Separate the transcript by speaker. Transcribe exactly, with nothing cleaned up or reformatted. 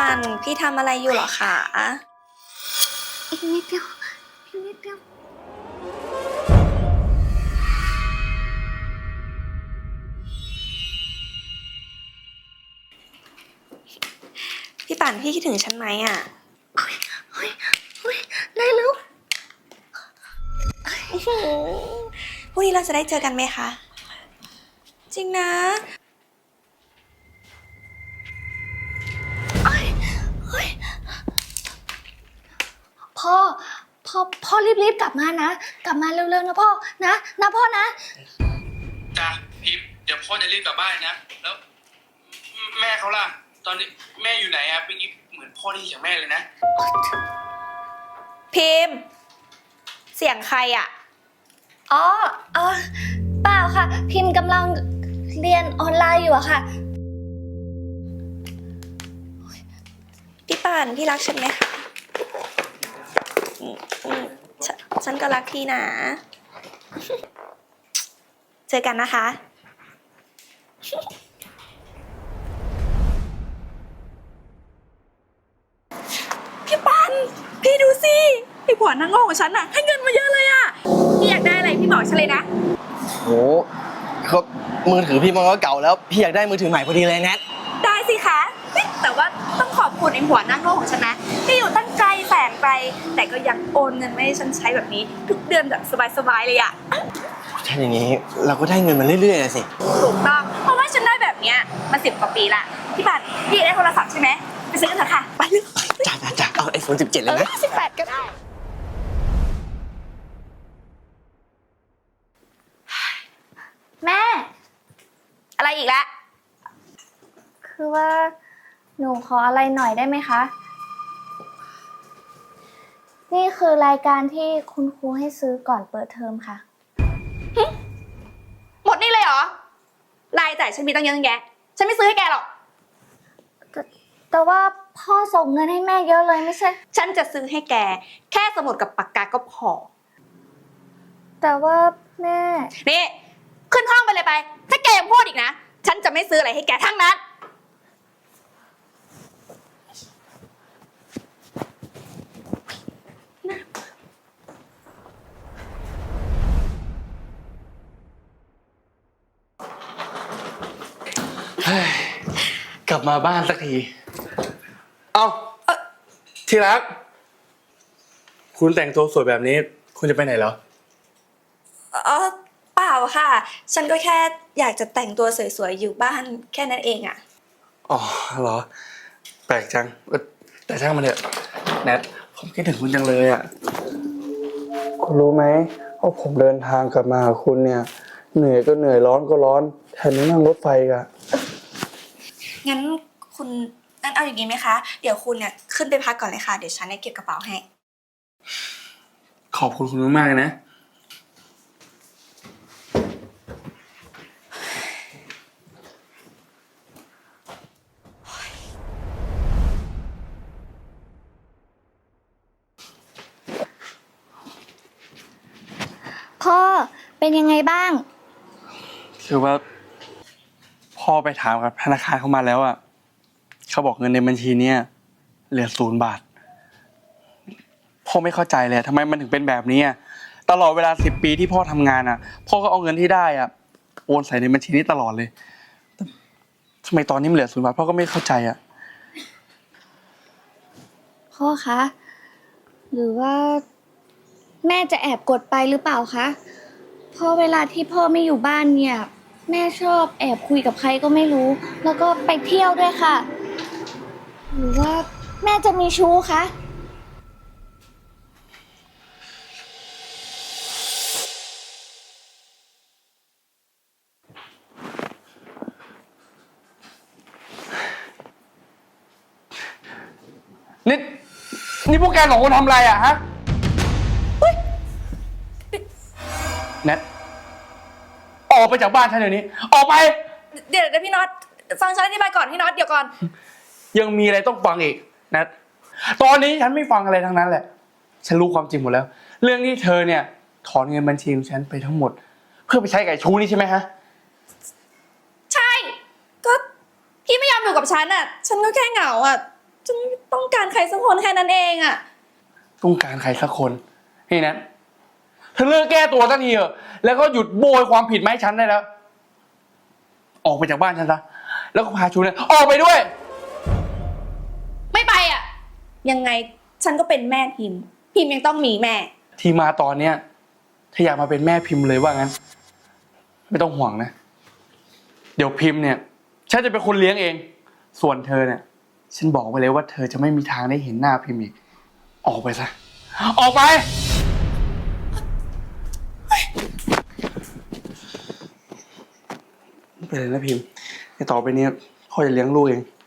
Speaker 1: ปั่นพี่ทำอะไรอยู่เหรอคะ
Speaker 2: อีกนิดเดียวอีกนิดเดียว
Speaker 1: พี่ปั่นพี่คิดถึงฉันไหมอ่ะ
Speaker 2: เฮ้ยเฮ้ยเฮ้ยได้แล้ว
Speaker 1: พรุ่งนี้เราจะได้เจอกันไหมคะจริงนะ
Speaker 2: พ่อพ่อพ่อรีบๆกลับมานะกลับมาเร็วๆนะพ่อนะนะพ่อนะ
Speaker 3: จ้ะพิมเดี๋ยวพ่อจะรีบกลับบ้านนะแล้วแม่เขาล่ะตอนนี้แม่อยู่ไหนอะเมื่อกี้เหมือนพ่อได้ยินเสียงแม่เลยนะ
Speaker 1: พิมพ์เสียงใครอ่ะ
Speaker 2: อ๋อเออเปล่าค่ะพิมพ์กำลังเรียนออนไลน์อยู่อะค่ะ
Speaker 1: พี่ปั่นพี่รักฉันไหมคะฉฉันก็รักพี่นะเจอกันนะคะพี่ปันพี่ดูสิไอ้ผัวนั่งโง่ของฉันน่ะให้เงินมาเยอะเลยอ่ะพี่อยากได้อะไรพี่บอกฉันเลยนะ
Speaker 4: โหก็มือถือพี่มันก็เก่าแล้วพี่อยากได้มือถือใหม่พอดีเลยแนท
Speaker 1: ได้สิคะแต่ว่าต้องขอบคุณไอ้ผัวนั่งโง่ของฉันนะที่อยู่ตั้งไกลแสนไกลแต่ก็ยังโอนเงินมาให้ฉันใช้แบบนี้ทุกเดือนแบบสบายๆเลยอ่ะ
Speaker 4: ถ้าอย่างนี้เราก็ได้เงินมาเรื่อยๆเลยสิ
Speaker 1: ถูกต้องเพราะว่าฉันได้แบบเนี้ยมาสิบกว่าปีละพี่ปันพี่ได้โทรศัพท์ใช่ไหมไปซื้อกันเถอะค่ะไปเลย
Speaker 4: จ้าจ้าจ้าเอาไอโฟนสิบเจ็ดเลยนะ
Speaker 1: สิบแปดก็ได้
Speaker 2: แม่
Speaker 1: อะไรอีกละ
Speaker 2: คือว่าหนูขออะไรหน่อยได้ไหมคะนี่คือรายการที่คุณครูให้ซื้อก่อนเปิดเทอมค่ะ
Speaker 1: หมดนี่เลยเหรอรายจ่ายฉันมีตั้งเยอะตั้งแยะฉันไม่ซื้อให้แกหรอก
Speaker 2: แต่แต่ว่าพ่อส่งเงินให้แม่เยอะเลยไม่ใช่
Speaker 1: ฉันจะซื้อให้แกแค่สมุดกับปากกาก็พอ
Speaker 2: แต่ว่าแม่
Speaker 1: นี่ขึ้นห้องไปเลยไปถ้าแกยังพูดอีกนะฉันจะไม่ซื้ออะไรให้แกทั้งนั้น
Speaker 3: กลับมาบ้านสักทีเอาที่รักคุณแต่งตัวสวยแบบนี้คุณจะไปไหนเหรอ
Speaker 1: อ๋อเปล่าค่ะฉันก็แค่อยากจะแต่งตัวสวยๆอยู่บ้านแค่นั้นเองอ่ะ
Speaker 3: อ๋อเหรอแปลกจังแต่ช่างมันเถอะแนทผมคิดถึงคุณจังเลยอ่ะ
Speaker 5: คุณรู้ไหมว่าผมเดินทางกลับมาหาคุณเนี่ยเหนื่อยก็เหนื่อยร้อนก็ร้อนแทนที่นั่งรถไฟกัน
Speaker 1: งั้นคุณงั้นเอาอย่างนี้ไหมคะเดี๋ยวคุณเนี่ยขึ้นไปพักก่อนเลยค่ะเดี๋ยวฉันเนี่ยเก็บกระเป๋าให้
Speaker 3: ขอบคุณคุณมากๆนะ
Speaker 2: พ่อเป็นยังไงบ้าง
Speaker 3: คือว่าพ่อไปถามกับธนาคารเข้ามาแล้วอ่ะเขาบอกเงินในบัญชีเนี่ยเหลือศูนย์บาทพ่อไม่เข้าใจเลยทำไมมันถึงเป็นแบบนี้ตลอดเวลาสิบปีที่พ่อทำงานอ่ะพ่อก็เอาเงินที่ได้อ่ะโอนใส่ในบัญชีนี้ตลอดเลยทำไมตอนนี้มันเหลือศูนย์บาทพ่อก็ไม่เข้าใจอ่ะ
Speaker 2: พ่อคะหรือว่าแม่จะแอบกดไปหรือเปล่าคะเพราะเวลาที่พ่อไม่อยู่บ้านเนี่ยแม่ชอบแอบคุยกับใครก็ไม่รู้แล้วก็ไปเที่ยวด้วยค่ะหรือว่าแม่จะมีชู้คะ
Speaker 3: นี่นี่พวกแกสองคนทำอะไรอ่ะฮะแนทออกไปจากบ้านฉันเดี๋ยวนี้ออกไป
Speaker 1: เดี๋ยวเดี๋ยวพี่น็อตฟังฉันอธิบายก่อนพี่น็อตเดี๋ยวก่อน
Speaker 3: ยังมีอะไรต้องฟังอีกแนทตอนนี้ฉันไม่ฟังอะไรทั้งนั้นแหละฉันรู้ความจริงหมดแล้วเรื่องที่เธอเนี่ยถอนเงินบัญชีของฉันไปทั้งหมดเพื่อไปใช้กับชู้นี่ใช่ไหมฮะ
Speaker 1: ใช่ก็พี่ไม่ยอมอยู่กับฉันอ่ะฉันก็แค่เหงาอ่ะฉันต้องการใครสักคนแค่นั้นเองอะ
Speaker 3: ต้องการใครสักคนนี่นะเธอเลิกแก้ตัวสักทีเถอะแล้วก็หยุดโบยความผิดมาให้ฉันได้แล้ว ออกไปจากบ้านฉันซะแล้วก็พาชูเนี่ยออกไปด้วย
Speaker 1: ไม่ไปอะยังไงฉันก็เป็นแม่พิมพ์ พิมพ์ยังต้องมีแม่
Speaker 3: ที่มาตอนเนี้ยถ้าอยากมาเป็นแม่พิมพ์เลยว่างั้น ไม่ต้องห่วงนะ เดี๋ยวพิมพ์เนี่ยฉันจะเป็นคนเลี้ยงเอง ส่วนเธอเนี่ยฉันบอกไปเลยว่าเธอจะไม่มีทางได้เห็นหน้าพิมพ์อีกออกไปซะออกไปไม่เป็นไรนะพิมพ์ในต่อไปเนี้ยพ่อจะเลี้ยงลูกเอง